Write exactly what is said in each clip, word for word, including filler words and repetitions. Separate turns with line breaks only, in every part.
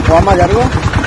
అమ్మ జరుగు.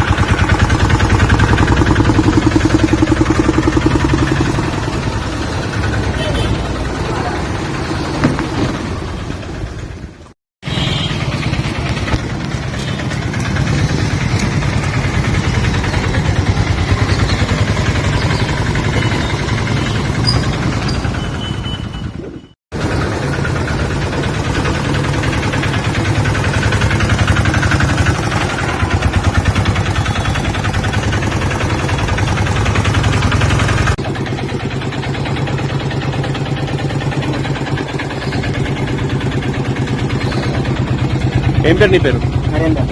ఏం పేరు నీ పేరు?
నరేందర్.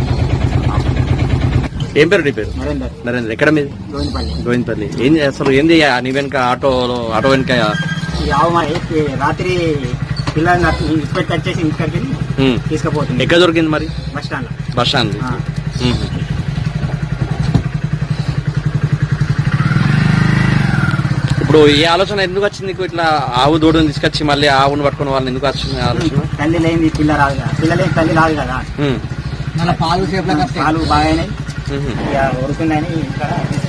ఏం పేరు నీ పేరు?
నరేందర్.
నరేంద్ర. ఎక్కడ మీది?
గోవిందపల్లి.
గోవిందపల్లి. ఏం అసలు ఏంది నీ వెనక ఆటోలో ఆటో వెనక
రాత్రి పిల్లల్ని ఇప్పటికి వచ్చేసి ఇంటికి తీసుకుపోతుంది.
ఎక్కడ దొరికింది మరి?
Bus stand.
Bus stand. ఇప్పుడు ఈ ఆలోచన ఎందుకు వచ్చింది నీకు? ఇట్లా ఆవు దూడని తీసుకొచ్చి మళ్ళీ ఆవును పట్టుకున్న వాళ్ళని ఎందుకు వచ్చింది ఆలోచన?
తల్లి లేని పిల్ల రాదు కదా, పిల్లలేని తల్లి రాదు కదా. పాలు పాలు బాగానే ఉరుకుందని ఇంకా